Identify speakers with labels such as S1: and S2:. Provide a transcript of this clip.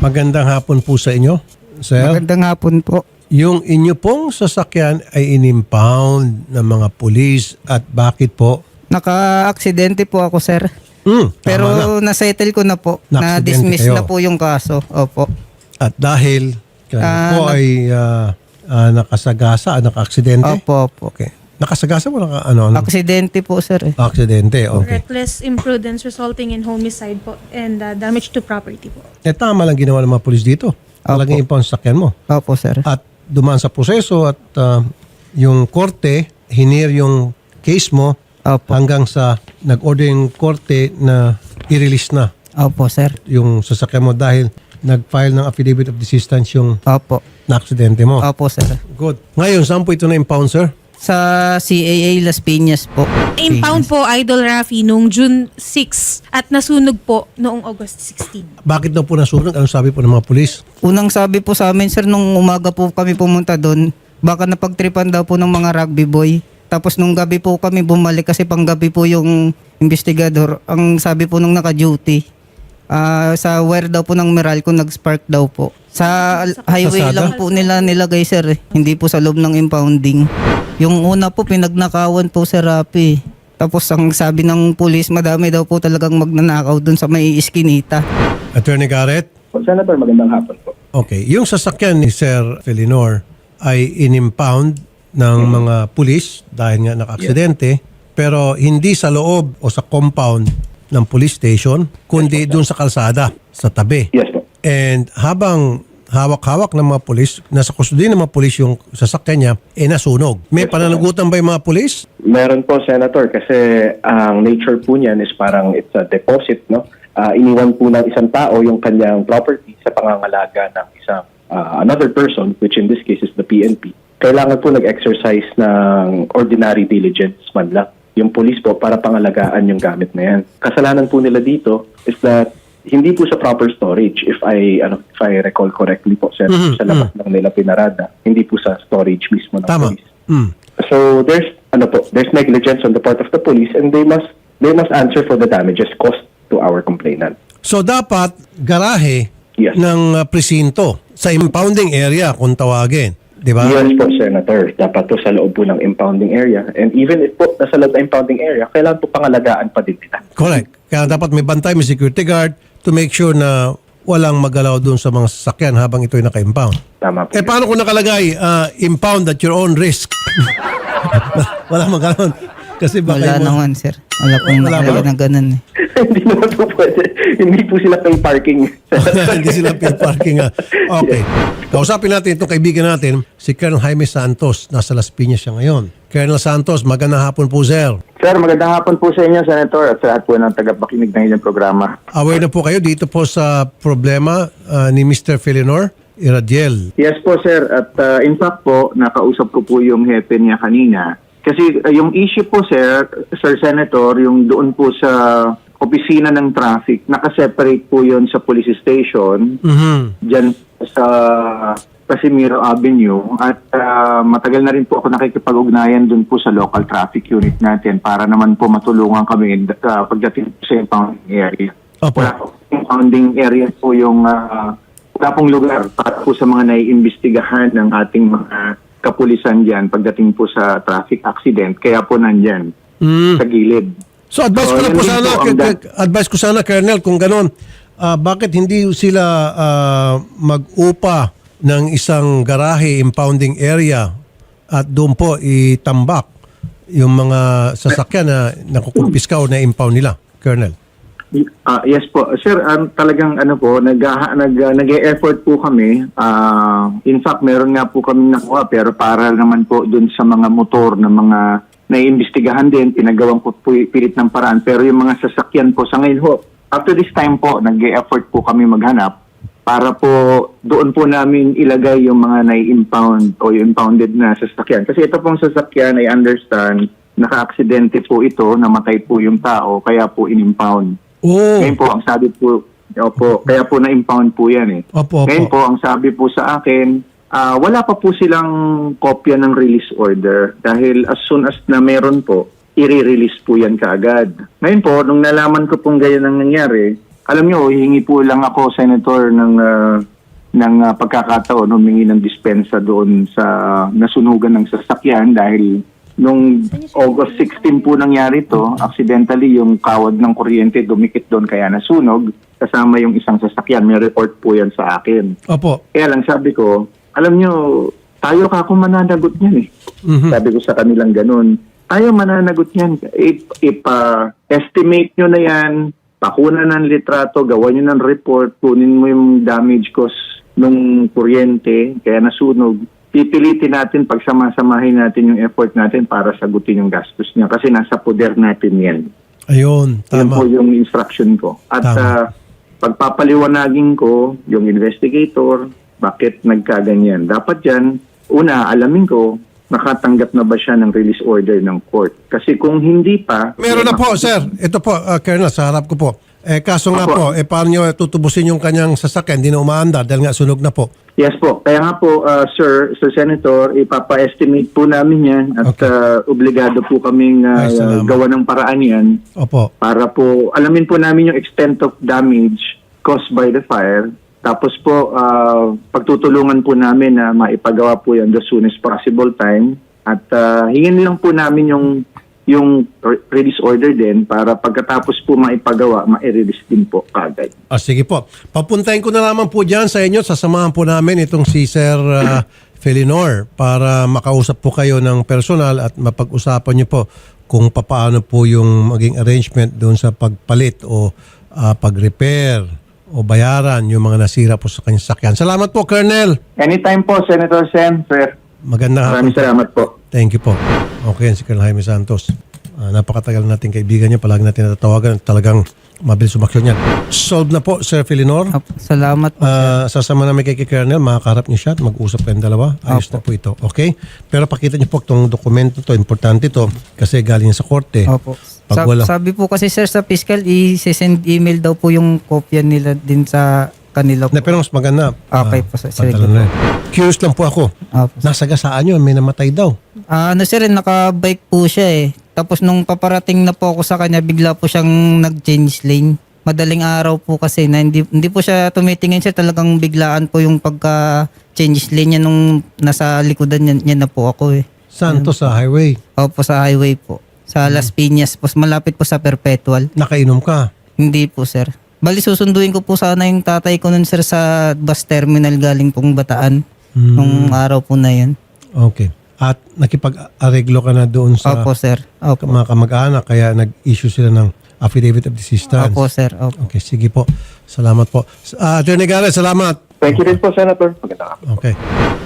S1: Magandang hapon po sa inyo, sir.
S2: Magandang hapon po.
S1: Yung inyo pong sasakyan ay inimpound ng mga pulis at bakit po?
S2: Naka-aksidente po ako, sir. Pero
S1: Tama na.
S2: na-settle ko na po.
S1: Na-aksidente
S2: Na-dismiss
S1: kayo.
S2: na po yung kaso. Opo.
S1: At dahil kayo po ay nakasagasa, naka-aksidente?
S2: Opo, opo.
S1: Okay. Nakasagasa mo ano?
S2: Aksidente po, sir.
S1: Aksidente, okay.
S3: Reckless imprudence resulting in homicide po and damage to property po.
S1: Tama lang ginawa ng mga pulis dito. Talagang impound sa sakyan mo.
S2: Opo, sir.
S1: At dumaan sa proseso at yung korte, hinir yung case mo
S2: Opo.
S1: hanggang sa nag-order yung korte na i-release na
S2: Opo, sir.
S1: yung sasakyan mo dahil nag-file ng affidavit of desistance yung
S2: Opo.
S1: na-aksidente mo.
S2: Opo, sir.
S1: Good. Ngayon, saan po ito na-impound, sir?
S2: Sa CAA Las Piñas po.
S3: Impound po, Idol Rafi, noong June 6 at nasunog po noong August 16.
S1: Bakit daw po nasunog? Anong sabi po ng mga pulis?
S2: Unang sabi po sa amin, sir, nung umaga po kami pumunta doon, baka napagtripan daw po ng mga rugby boy. Tapos nung gabi po kami bumalik kasi panggabi po yung investigador. Ang sabi po nung naka-duty, sa wire daw po ng Meralco nag-spark daw po. Sa highway
S1: Kalsada?
S2: lang po nila nilagay, sir. Hindi po sa loob ng impounding. Yung una po pinagnakawan po, Sir Rafi. Tapos ang sabi ng pulis, madami daw po talagang magnanakaw dun sa may iskinita.
S1: Attorney Garrett?
S4: Senator, magandang hapon po.
S1: Okay. Yung sasakyan ni Sir Felinor ay in-impound ng mga pulis dahil nga naka-aksidente, pero hindi sa loob o sa compound ng police station, kundi doon sa kalsada, sa tabi.
S4: Yes po.
S1: And habang hawak-hawak ng mga pulis, nasa kustodiya ng mga pulis yung sasakyan niya, nasunog. May pananagutan ba yung mga pulis?
S4: Meron po, Senator, kasi ang nature po niyan is parang it's a deposit, no? Iniwan po ng isang tao yung kanyang property sa pangangalaga ng isang another person, which in this case is the PNP. Kailangan po nag-exercise ng ordinary diligence man lang yung police po para pangalagaan yung gamit na yan. Kasalanan po nila dito is that hindi po sa proper storage if I recall correctly po sa labas lang nila pinarada, hindi po sa storage mismo ng
S1: Tama.
S4: police. So there's negligence on the part of the police and they must answer for the damages caused to our complainant.
S1: So dapat garahe
S4: Yes.
S1: ng presinto sa impounding area kung tawagin. Di ba?
S4: Yes po, Senator. Dapat po sa loob po ng impounding area. And even if po nasa loob ng impounding area, kailangan po pangalagaan pa din nila.
S1: Correct. Kaya dapat may bantay, may security guard to make sure na walang magalaw doon sa mga sasakyan habang ito'y naka-impound.
S4: Tama po.
S1: Paano kung nakalagay, impound at your own risk? Wala magalaw. Kasi baka
S2: Wala
S1: yung-
S2: naman, sir. Wala pong
S1: Wala ba?
S2: nakalagay na ganun.
S4: Hindi naman po pwede. Hindi po sila pay parking.
S1: Hindi sila pay parking. Okay. Kausapin natin itong kaibigan natin, si Colonel Jaime Santos. Nasa Las Piñas siya ngayon. Colonel Santos, magandang hapon po, sir.
S5: Sir, magandang hapon po sa inyo, Senator, at sa lahat po ng tagapakinig ng inyong programa.
S1: Aware na po kayo dito po sa problema ni Mr. Felinor Iradiel.
S5: Yes po, sir. At in fact po, nakausap ko po yung hepe niya kanina. Kasi yung issue po, Sir Senator, yung doon po sa opisina ng traffic, nakaseparate po yon sa police station, dyan sa Casimiro Avenue. At matagal na rin po ako nakikipag-ugnayan doon po sa local traffic unit natin para naman po matulungan kami pagdating po sa impounding area.
S1: Opo.
S5: Wala po impounding area po yung wala pong lugar para po sa mga naiimbestigahan ng ating mga kapulisan dyan pagdating po sa traffic accident. Kaya po nandyan sa gilid.
S1: So advice ko
S5: So,
S1: na
S5: yun
S1: po
S5: din
S1: sana,
S5: po ang
S1: advice ko sana, Colonel, kung ganon, bakit hindi sila mag-upa ng isang garahe impounding area at doon po itambak yung mga sasakyan na nakukumpiska o na-impound nila, Colonel?
S5: Yes po. Sir, talagang nag-e-effort po kami. In fact, meron nga po kami nakuha pero para naman po dun sa mga motor na mga naiimbestigahan din, pinagawang po pilit ng paraan. Pero yung mga sasakyan po sa ngayon ho, up to this time po, nag-e-effort po kami maghanap para po doon po namin ilagay yung mga nai-impound o yung impounded na sasakyan. Kasi ito pong sasakyan, I understand, naka-aksidente po ito, namatay po yung tao, kaya po in-impound.
S1: Oh,
S5: Ngayon po, ang sabi po, kaya po na-impound po yan eh.
S1: Opo.
S5: Ngayon po, ang sabi po sa akin, wala pa po silang kopya ng release order dahil as soon as na meron po, i-release po yan kaagad. Ngayon po, nung nalaman ko pong ganyan ang nangyari, alam nyo, hihingi po lang ako, Senator, ng pagkakataon, humingi ng dispensa doon sa nasunugan ng sasakyan dahil nung August 16 po nangyari to, accidentally yung kawad ng kuryente dumikit doon kaya nasunog, kasama yung isang sasakyan. May report po yan sa akin.
S1: Opo.
S5: Kaya lang sabi ko, alam nyo, tayo ka kung mananagot niyan eh. Sabi ko sa kanilang ganun, tayo mananagot niyan. Estimate nyo na yan, pakunan ng litrato, gawan nyo ng report, kunin mo yung damage cost ng kuryente, kaya nasunog. Pipilitin natin, pagsama-samahin natin yung effort natin para sagutin yung gastos niya kasi nasa poder natin yan.
S1: Ayun,
S5: Yan
S1: tama.
S5: po yung instruction ko. At
S1: Tama.
S5: pagpapaliwanagin ko yung investigator, bakit nagkaganyan. Dapat yan, una, alamin ko, nakatanggap na ba siya ng release order ng court. Kasi kung hindi pa...
S1: Meron na po, sir. Ito po, Colonel, sa harap ko po. Kaso nga po, paano nyo tutubusin yung kanyang sasakyan? Hindi na umaandar dahil nga sunog na po.
S5: Yes po. Kaya nga po, Sir Senator, ipapa-estimate po namin yan at obligado po kaming
S1: Ay, salamat.
S5: gawa ng paraan yan
S1: Opo.
S5: para po alamin po namin yung extent of damage caused by the fire. Tapos po, pagtutulungan po namin na maipagawa po yan the soonest possible time. At hingin lang po namin yung release order din para pagkatapos po maipagawa, ma-release din po kagad.
S1: Sige po. Papuntahin ko na naman po dyan sa inyo. Sasamahan po namin itong si Sir Felinor para makausap po kayo ng personal at mapag-usapan nyo po kung paano po yung maging arrangement doon sa pagpalit o pag-repair o bayaran yung mga nasira po sa kanyang sakyan. Salamat po, Colonel.
S5: Anytime po, Senator Sen, sir.
S1: Magandang hapon.
S5: Maraming salamat po.
S1: Thank you po. Okay, si Colonel Jaime Santos. Napakatagal natin kaibigan niya. Palagi natin natatawagan. Talagang mabilis umaksyon yan. Solved na po, Sir Felinor.
S2: Salamat po.
S1: Sasama namin kay Colonel. Makakarap niyo siya at mag-usap kayong dalawa. Ayos na po ito. Okay? Pero pakita niyo po itong dokumento to. Importante to kasi galing sa korte.
S2: Opo.
S1: Pag wala.
S2: Sabi po kasi sir sa fiscal, i-send email daw po yung kopya nila din sa kanila po.
S1: Pero mas maganda.
S2: Okay po, sir. Sige
S1: pantalo
S2: po.
S1: na yan. Curious lang po ako.
S2: Opo.
S1: Nasagasaan yun. May namatay daw.
S2: Sir, naka-bike po siya eh. Tapos nung paparating na po ako sa kanya, bigla po siyang nag-change lane. Madaling araw po kasi na hindi po siya tumitingin siya. Talagang biglaan po yung pagka-change lane niya nung nasa likodan niya na po ako eh.
S1: Saan to sa highway?
S2: Opo, sa highway po. Sa Las Piñas po. Malapit po sa Perpetual.
S1: Nakainom ka?
S2: Hindi po, sir. Bali, susunduin ko po sana yung tatay ko nun, sir, sa bus terminal galing pong Bataan. Nung araw po na yun.
S1: Okay. At nakipag-areglo ka na doon sa
S2: Opo, sir. Opo.
S1: mga kamag-anak kaya nag-issue sila ng affidavit of desistance.
S2: Opo, sir. Opo.
S1: Okay, sige po. Salamat po. Attorney Garrett, salamat.
S4: Thank you rin po, Senator. Magandang hapon.
S1: Okay.